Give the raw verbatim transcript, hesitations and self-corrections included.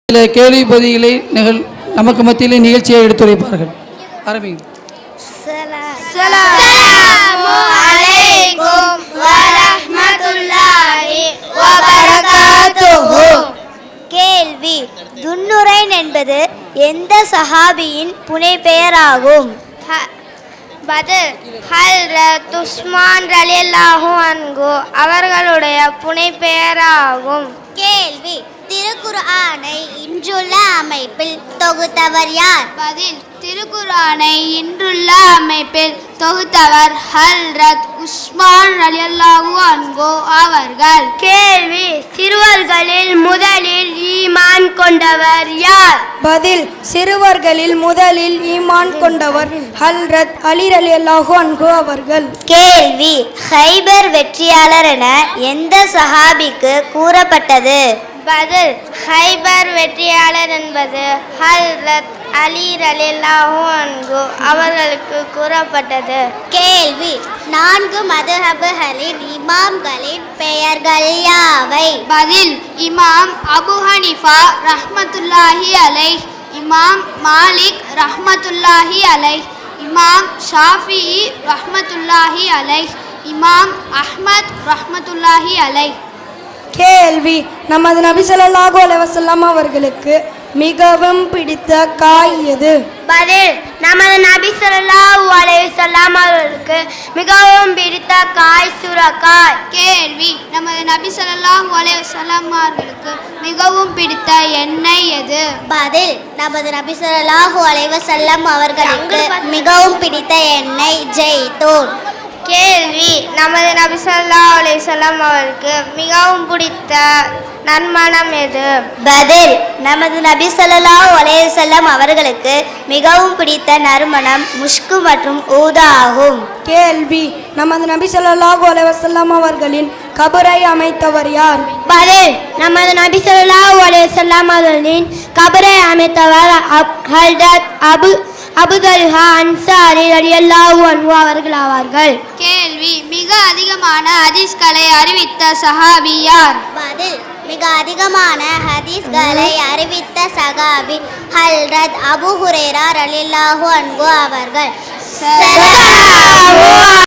சில கேள்வி பதில்களை நிகழ் நமக்கு மத்தியிலே நிகழ்ச்சியை எடுத்துரைப்பார்கள். ஆரம்பிங்க. அஸ்ஸலாமு அலைக்கும் வரஹ்மத்துல்லாஹி வபரகாத்துஹு. கேள்வி: துன்னுரைன் என்பது எந்த சஹாபியின் புனைப்பெயராகும்? பதில்: ஹல்ரத் உஸ்மான் ரலியல்லாஹு அன்ஹு அவர்களுடைய புனைப்பெயராகும். கேள்வி: திருக்குர்ஆனை இன்றுள்ள அமைப்பில் தொகுத்தவர் யார்? பதில்: திருக்குர்ஆனை இன்றுள்ள அமைப்பில் தொகுத்தவர் ஹல்ரத் உஸ்மான் ரலியல்லாஹு அன்ஹு அவர்கள். கேள்வி: சிறுவர்களில் முதலில் ஈமான் கொண்டவர் யார்? பதில்: சிறுவர்களில் முதலில் ஈமான் கொண்டவர் ஹல்ரத் அலி ரலியல்லாஹு அன்ஹு அவர்கள். கேள்வி: ஹைபர் வெற்றியாளர் என எந்த சஹாபிக்கு கூறப்பட்டது? பதில்: ஹைபர் வெற்றியாளர் என்பது ஹல்ரத் அலி ரலியல்லாஹு அன்ஹு அவர்களுக்கு கூறப்பட்டது. கேள்வி: நான்கு மதுஹபுகளின் இமாம்களின் பெயர்கள் யாவை? பதில்: இமாம் அபு ஹனீஃபா ரஹ்மத்துல்லாஹி அலைஹ், இமாம் மாலிக் ரஹ்மத்துல்லாஹி அலைஹ், இமாம் ஷாஃபிஈ ரஹ்மத்துல்லாஹி அலைஹ், இமாம் அஹ்மத் ரஹ்மத்துல்லாஹி அலைஹ். கேள்வி: நமது நபி ஸல்லல்லாஹு அலைஹி வஸல்லம் அவர்களுக்கு மிகவும் பிடித்த காய் எது? பதில்: நமது நபி ஸல்லல்லாஹு அலைஹி வஸல்லம் அவர்களுக்கு மிகவும் பிடித்த காய் சுரக்காய். கேள்வி: நமது நபி ஸல்லல்லாஹு அலைஹி வஸல்லம் அவர்களுக்கு மிகவும் பிடித்த எண்ணெய் எது? பதில்: நமது நபி ஸல்லல்லாஹு அலைஹி வஸல்லம் அவர்களுக்கு மிகவும் பிடித்த எண்ணெய் ஜெய்தூன். கேள்வி: நமது நபி ஸல்லல்லாஹு அலைஹி வஸல்லம் அவருக்கு மிகவும் பிடித்த நறுமணம் எது? பதில்: நமது நபி ஸல்லல்லாஹு அலைஹி வஸல்லம் அவர்களுக்கு மிகவும் பிடித்த நறுமணம் முஷ்கு மற்றும் ஊதா ஆகும். கேள்வி: நமது நபி ஸல்லல்லாஹு அலைஹி வஸல்லம் அவர்களின் கபரை அமைத்தவர் யார்? பதில்: நமது நபி ஸல்லல்லாஹு அலைஹி வஸல்லம் அவர்களின் கபரை அமைத்தவர் ஹல்ரத் அபு அபுதல்ஹா அன்சாரி ரலியல்லாஹு அன்ஹு அவர்கள் ஆவார்கள். கேள்வி: மிக அதிகமான ஹதீஸ்களை அறிவித்த சஹாபி யார்? பதில்: மிக அதிகமான ஹதீஸ்களை அறிவித்த சஹாபி ஹல்ரத் அபூ ஹுரைரா ரலியல்லாஹு அன்ஹு அவர்கள்.